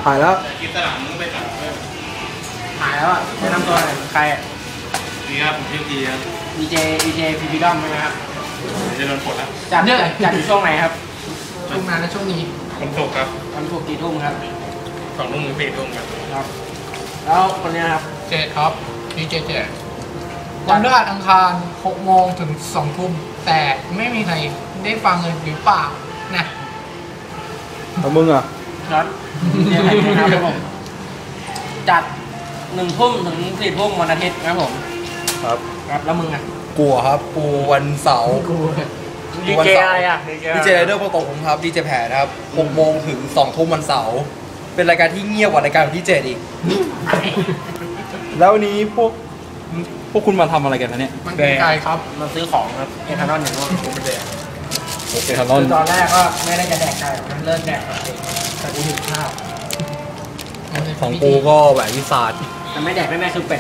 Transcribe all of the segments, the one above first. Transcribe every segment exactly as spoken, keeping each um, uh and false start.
ถ่ายแล้วกินตลาดมึงก็ไปตัดเพิ่มถ่ายแล้วอ่ะแนะนำตัวหน่อยใครอ่ะนี่ครับผมชื่อพีครับดีเจดีเจพีพีดอมใช่ไหมครับจะโดนปลดแล้วจัดจัดอยู่ช่วงไหนครับช่วงนั้นและช่วงนี้วันศุกร์ครับวันศุกร์กี่ทุ่มครับสองทุ่มถึงสี่ทุ่มครับครับแล้วคนนี้ครับเจดครับดีเจเจดวันพฤหัสอังคารหกโมงถึงสองทุ่มแต่ไม่มีใครได้ฟังเลยหรือเปล่านะแล้วมึงอ่ะครับเนี่ยนะครับผมจัดหนึ่งทุ่มถึงสี่ทุ่มวันอาทิตย์นะครับผมครับครับแล้วมึงอ่ะกูครับกูวันเสาร์กูดีเจอะไรอ่ะดีเจไรเดอร์โปรโตผมครับดีเจแผนครับหกโมงถึงสองทุ่มวันเสาร์เป็นรายการที่เงียบกว่ารายการของพี่เจดอีกแล้ววันนี้พวกพวกคุณมาทำอะไรกันนะเนี่ยมันเป็นไกลครับมาซื้อของครับเอทานอลอย่างนู้นผมแดกเอทานอลตอนแรกก็ไม่ได้จะแดกไก่นะเลิกแดกแต่กูหิวข้าวของกูก็แหวนวิสาดแต่ไม่แดกไม่แม่คือเป็ด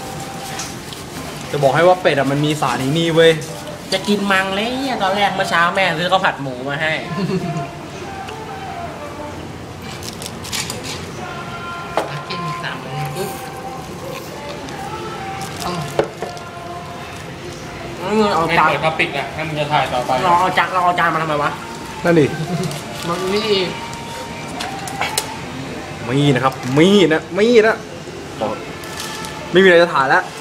จะบอกให้ว่าเป็ดอ่ะมันมีสารในนี่เว้ยจะกินมังเลยตอนแรกเมื่อเช้าแม่ซื้อข้าวผัดหมูมาให้กินสามปุ๊บเอาจานท็อปิกอ่ะให้มึงจะถ่ายต่อไปเราเอาจานเราเอาจานมาทำไมวะนั่นดิมันนี่มีนะครับมีนะมีนะไม่มีอะไรจะถ่ายแล้ว